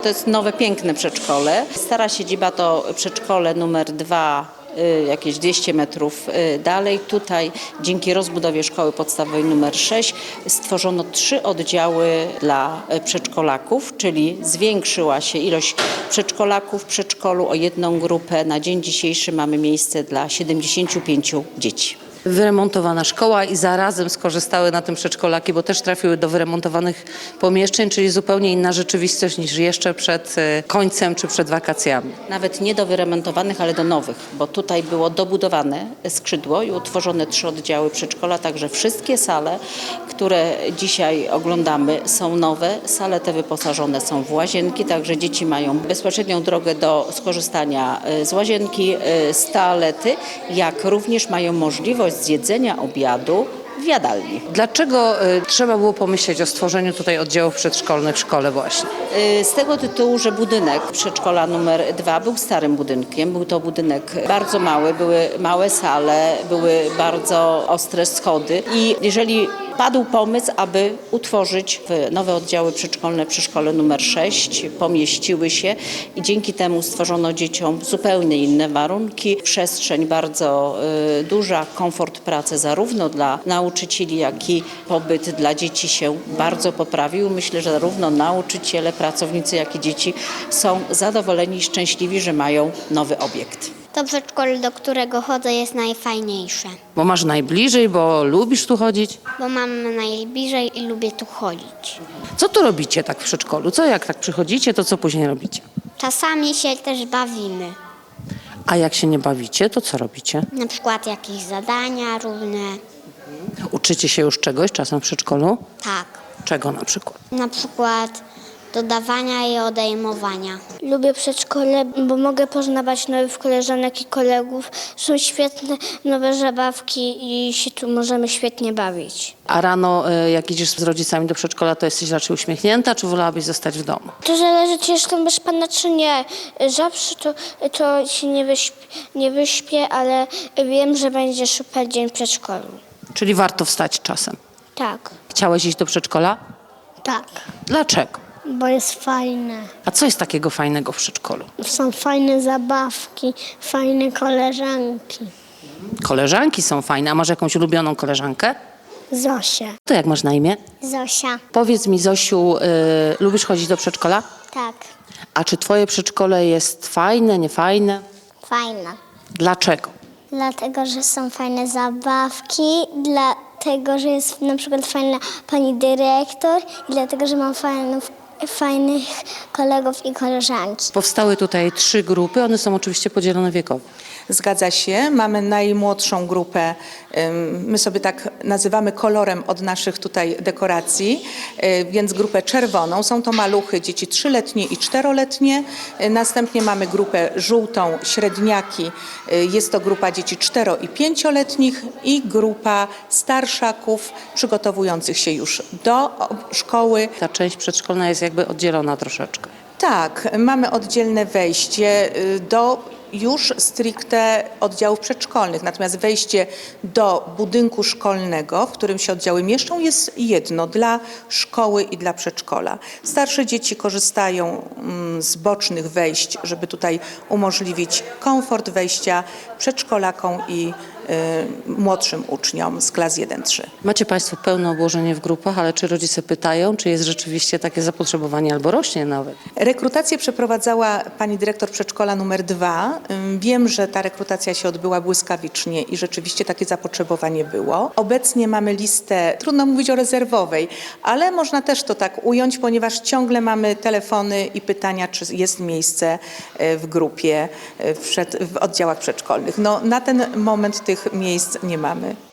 To jest nowe, piękne przedszkole. Stara siedziba to przedszkole numer 2, jakieś 200 metrów dalej. Tutaj dzięki rozbudowie szkoły podstawowej numer 6 stworzono 3 oddziały dla przedszkolaków, czyli zwiększyła się ilość przedszkolaków w przedszkolu o jedną grupę. Na dzień dzisiejszy mamy miejsce dla 75 dzieci. Wyremontowana szkoła i zarazem skorzystały na tym przedszkolaki, bo też trafiły do wyremontowanych pomieszczeń, czyli zupełnie inna rzeczywistość niż jeszcze przed końcem czy przed wakacjami. Nawet nie do wyremontowanych, ale do nowych, bo tutaj było dobudowane skrzydło i utworzone 3 oddziały przedszkola, także wszystkie sale, które dzisiaj oglądamy, są nowe. Sale te wyposażone są w łazienki, także dzieci mają bezpośrednią drogę do skorzystania z łazienki, z toalety, jak również mają możliwość zjedzenia obiadu w jadalni. Dlaczego trzeba było pomyśleć o stworzeniu tutaj oddziałów przedszkolnych w szkole właśnie? Z tego tytułu, że budynek przedszkola numer 2 był starym budynkiem. Był to budynek bardzo mały, były małe sale, były bardzo ostre schody i jeżeli padł pomysł, aby utworzyć nowe oddziały przedszkolne przy szkole numer 6, pomieściły się i dzięki temu stworzono dzieciom zupełnie inne warunki. Przestrzeń bardzo duża, komfort pracy zarówno dla nauczycieli, jak i pobyt dla dzieci się bardzo poprawił. Myślę, że zarówno nauczyciele, pracownicy, jak i dzieci są zadowoleni i szczęśliwi, że mają nowy obiekt. To przedszkole, do którego chodzę, jest najfajniejsze, Bo masz najbliżej, bo lubisz tu chodzić? bo mam najbliżej i lubię tu chodzić. Co tu robicie tak w przedszkolu? Jak tak przychodzicie, to co później robicie? Czasami się też bawimy, A jak się nie bawicie, to co robicie? na przykład jakieś zadania różne. Uczycie się już czegoś czasem w przedszkolu? Tak, Czego na przykład? na przykład dodawania i odejmowania. Lubię przedszkole, bo mogę poznawać nowych koleżanek i kolegów. Są świetne nowe zabawki i się tu możemy świetnie bawić. A rano, jak idziesz z rodzicami do przedszkola, to jesteś raczej uśmiechnięta, czy wolałabyś zostać w domu? To zależy, czy jestem bez pana, czy nie. Zawsze to się nie wyśpię, ale wiem, że będzie super dzień w przedszkolu. Czyli warto wstać czasem. Tak. Chciałeś iść do przedszkola? Tak, Dlaczego? bo jest fajne. A co jest takiego fajnego w przedszkolu? Są fajne zabawki, fajne koleżanki. Koleżanki są fajne. A masz jakąś ulubioną koleżankę? Zosia. To jak masz na imię? Zosia. Powiedz mi, Zosiu, lubisz chodzić do przedszkola? Tak, A czy twoje przedszkole jest fajne, niefajne? fajna. Dlaczego? Dlatego, że są fajne zabawki, dlatego, że jest na przykład fajna pani dyrektor i dlatego, że mam fajnych kolegów i koleżanki. Powstały tutaj 3 grupy, one są oczywiście podzielone wiekowo. Zgadza się. Mamy najmłodszą grupę, my sobie tak nazywamy kolorem od naszych tutaj dekoracji, więc grupę czerwoną. Są to maluchy, dzieci 3-letnie i 4-letnie. Następnie mamy grupę żółtą, średniaki. Jest to grupa dzieci 4- i 5-letnich i grupa starszaków przygotowujących się już do szkoły. Ta część przedszkolna jest jakby oddzielona troszeczkę. Tak, mamy oddzielne wejście do już stricte oddziałów przedszkolnych. Natomiast wejście do budynku szkolnego, w którym się oddziały mieszczą, jest jedno dla szkoły i dla przedszkola. Starsze dzieci korzystają z bocznych wejść, żeby tutaj umożliwić komfort wejścia przedszkolakom i młodszym uczniom z klas 1-3. Macie Państwo pełne obłożenie w grupach, ale czy rodzice pytają, czy jest rzeczywiście takie zapotrzebowanie albo rośnie nawet? Rekrutację przeprowadzała pani dyrektor przedszkola numer 2. Wiem, że ta rekrutacja się odbyła błyskawicznie i rzeczywiście takie zapotrzebowanie było. Obecnie mamy listę, trudno mówić o rezerwowej, ale można też to tak ująć, ponieważ ciągle mamy telefony i pytania, czy jest miejsce w grupie, w oddziałach przedszkolnych. No, na ten moment tych miejsc nie mamy.